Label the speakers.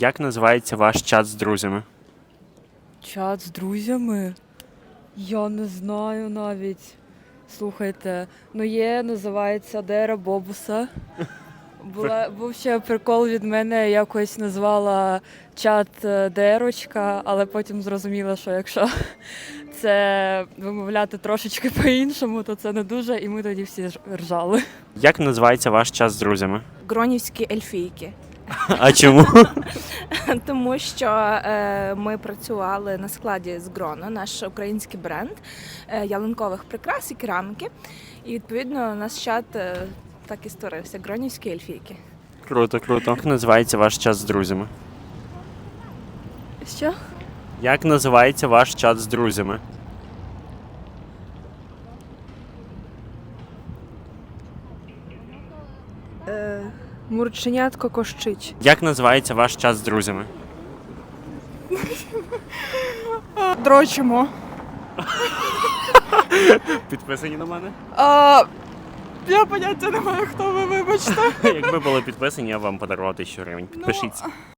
Speaker 1: Як називається ваш чат з друзями?
Speaker 2: Чат з друзями? Я не знаю навіть. Слухайте, називається Дера Бобуса. Був ще прикол від мене, якось назвала чат Дерочка, але потім зрозуміла, що якщо це вимовляти трошечки по-іншому, то це не дуже, і ми тоді всі ржали.
Speaker 1: Як називається ваш чат з друзями?
Speaker 3: Гронівські ельфійки.
Speaker 1: А чому?
Speaker 3: Тому що ми працювали на складі з Гроно, наш український бренд ялинкових прикрас і кераміки. І відповідно наш чат так і створився. Гронівські ельфійки.
Speaker 1: Круто, круто. Як називається ваш чат з друзями?
Speaker 2: Що?
Speaker 1: Як називається ваш чат з друзями?
Speaker 4: Мурченятко кощить.
Speaker 1: Як називається ваш чат з друзями?
Speaker 4: Дрочимо.
Speaker 1: Підписані на мене?
Speaker 4: Я поняття не маю, хто ви, вибачте.
Speaker 1: Якби були підписані, я б вам подарував 1000 гривень. Підпишіться.